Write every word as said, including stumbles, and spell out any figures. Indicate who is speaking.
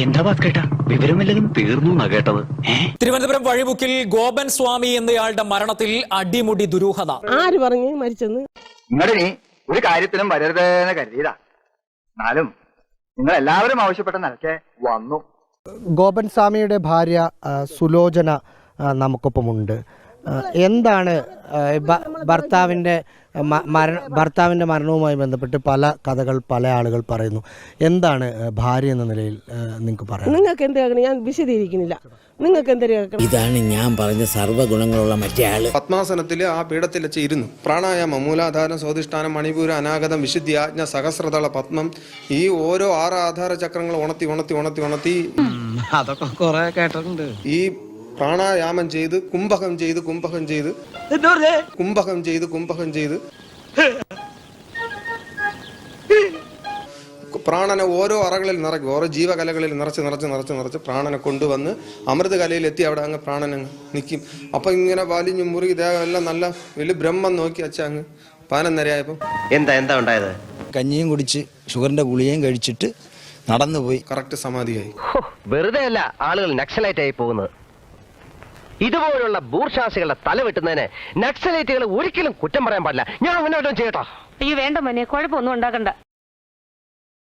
Speaker 1: എന്താ കേട്ടാ വിവരമില്ലതും തീർന്നു കേട്ടത്.
Speaker 2: തിരുവനന്തപുരം വഴിമുക്കിൽ ഗോപൻ സ്വാമി എന്നയാളുടെ മരണത്തിൽ അടിമുടി ദുരൂഹത.
Speaker 3: ആര് പറഞ്ഞു മരിച്ചെന്ന്?
Speaker 4: നിങ്ങളിനി ഒരു കാര്യത്തിനും വരരുതെന്ന് കരുതിയതാ. എന്നാലും നിങ്ങൾ എല്ലാവരും ആവശ്യപ്പെട്ട നിലയ്ക്ക് വന്നു.
Speaker 5: ഗോപൻ സ്വാമിയുടെ ഭാര്യ സുലോചന നമുക്കൊപ്പമുണ്ട്. എന്താണ് ഭർത്താവിൻ്റെ മരണ ഭർത്താവിൻ്റെ മരണവുമായി ബന്ധപ്പെട്ട് പല കഥകൾ പല ആളുകൾ പറയുന്നു. എന്താണ് ഭാര്യ എന്ന നിലയിൽ നിങ്ങൾക്ക് പറയാം?
Speaker 3: നിങ്ങൾക്ക് എന്ത് കേൾക്കണം? ഞാൻ വിശദീകരിക്കുന്നില്ല. നിങ്ങൾക്ക് എന്ത് കേൾക്കണം?
Speaker 6: ഇതാണ് ഞാൻ പറഞ്ഞ സർവ്വഗുണങ്ങളുള്ള മറ്റേ ആള്.
Speaker 7: പത്മാസനത്തിൽ ആ പീഠത്തിൽ വെച്ച് ഇരുന്നു. പ്രാണായാമം, മൂലാധാരം, സ്വാധിഷ്ഠാനം, മണിപൂരം, അനാഗതം, വിശുദ്ധി, ആജ്ഞ, സഹസ്രതള, പത്മം, ഈ ഓരോ ആറ് ആധാര ചക്രങ്ങൾ ഉണർത്തി ഉണർത്തി ഉണർത്തി ഉണർത്തി
Speaker 1: അതൊക്കെ കുറെ കേട്ടിട്ടുണ്ട്.
Speaker 7: ഈ പ്രാണായാമം ചെയ്ത് കുംഭകം ചെയ്ത് കുംഭകം ചെയ്ത് കുംഭകം ചെയ്ത് കുംഭകം ചെയ്ത് പ്രാണനെ ഓരോ അറകളിൽ നിറയ്ക്കും. ഓരോ ജീവകലകളിൽ നിറച്ച് നിറച്ച് നിറച്ച് നിറച്ച് പ്രാണനെ കൊണ്ടുവന്ന് അമൃത കലയിൽ എത്തി അവിടെ അങ്ങ് പ്രാണൻ അങ്ങ് നിൽക്കും. അപ്പൊ ഇങ്ങനെ വലിഞ്ഞു മുറുകി ദേഹം എല്ലാം നല്ല വലിയ ബ്രഹ്മം നോക്കി അച്ഛ അങ്ങ് പതിനൊന്നരയായപ്പോ
Speaker 8: എന്താ എന്താ ഉണ്ടായത്?
Speaker 6: കഞ്ഞിയും കുടിച്ച് ഷുഗറിന്റെ ഗുളികയും കഴിച്ചിട്ട് നടന്നുപോയി.
Speaker 7: കറക്റ്റ് സമാധിയായി.
Speaker 8: വെറുതെ അല്ല ആളുകൾ നക്സലൈറ്റ് ആയി പോകുന്നത്. ഇതുപോലുള്ള ബൂർഷാസികളുടെ തല വെട്ടുന്നതിന് നക്സലൈറ്റുകൾ ഒരിക്കലും കുറ്റം പറയാൻ പാടില്ല. ഞാൻ അങ്ങനെ ചെയ്യട്ടോ?
Speaker 9: അയ്യോ വേണ്ട മോനെ, കുഴപ്പമൊന്നും ഉണ്ടാക്കണ്ട.